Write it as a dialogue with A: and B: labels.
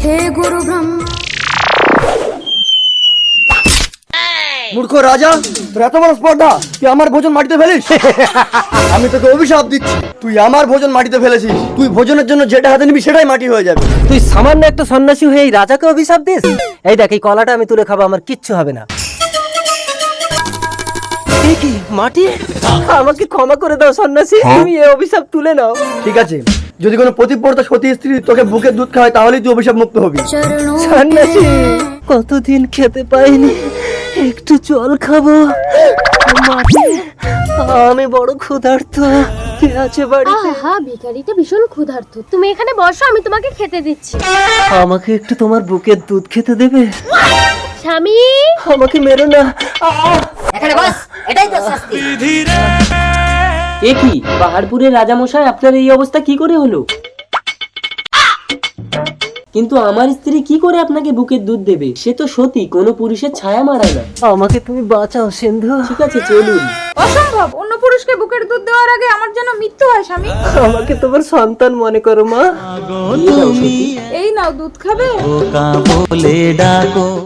A: हे गुरु ब्रह्मा।
B: মূর্খ রাজা, তোর এত বড় স্পর্ধা, তুই আমার ভোজন মাটিতে ফেলিস? আমি তোকে অভিশাপ দিচ্ছি, তুই আমার ভোজন মাটিতে ফেলেছিস। তুই ভোজনের জন্য যেটা হাতে নিবি সেটাই মাটি হয়ে যাবে।
C: তুই সামান্য একটা সন্ন্যাসী হয়ে এই রাজাকে অভিশাপ দিস? এই দেখ, এই কলাটা আমি তুলে খাবো, আমার কিচ্ছু হবে না। এ কি মাটি? আমাকে ক্ষমা করে দাও সন্ন্যাসী, তুমি এই অভিশাপ তুলে নাও।
B: ঠিক আছে, যদি কোনো পতিব্রতা সতী স্ত্রী তোকে বুকের দুধ খাওয়ায় তাহলেই তুই অভিশাপ মুক্ত হবি।
A: चरणों
C: সন্ন্যাসী, কতদিন খেতে পাইনি, একটু জল খাবো। মাটি, আমি বড় ক্ষুধার্ত। কে আছে বাড়িতে?
D: আহা, ভিখারিটা ভীষণ ক্ষুধার্ত। তুমি এখানে বসো, আমি তোমাকে খেতে দিচ্ছি।
C: আমাকে একটু তোমার বুকের দুধ খেতে দেবে?
D: স্বামী,
C: আমাকে মেরো না।
E: এখানে বস, এটাই তো শাস্তি।
F: এ কি পাহাড়পুরের রাজামশাই, আপনার এই অবস্থা কি করে হলো? কিন্তু আমার স্ত্রী কি করে আপনাকে বুকের দুধ দেবে? সে তো সতী, কোনো পুরুষের ছায়া মারায় না।
C: আমাকে তুমি বাঁচাও সিন্ধু।
F: ঠিক আছে, চলুন।
G: অসম্ভব, অন্য পুরুষকে বুকের দুধ দেওয়ার আগে আমার যেন মৃত্যু হয় স্বামী।
C: আমাকে তোমার সন্তান মনে করো মা।
G: এই নাও দুধ খাবে।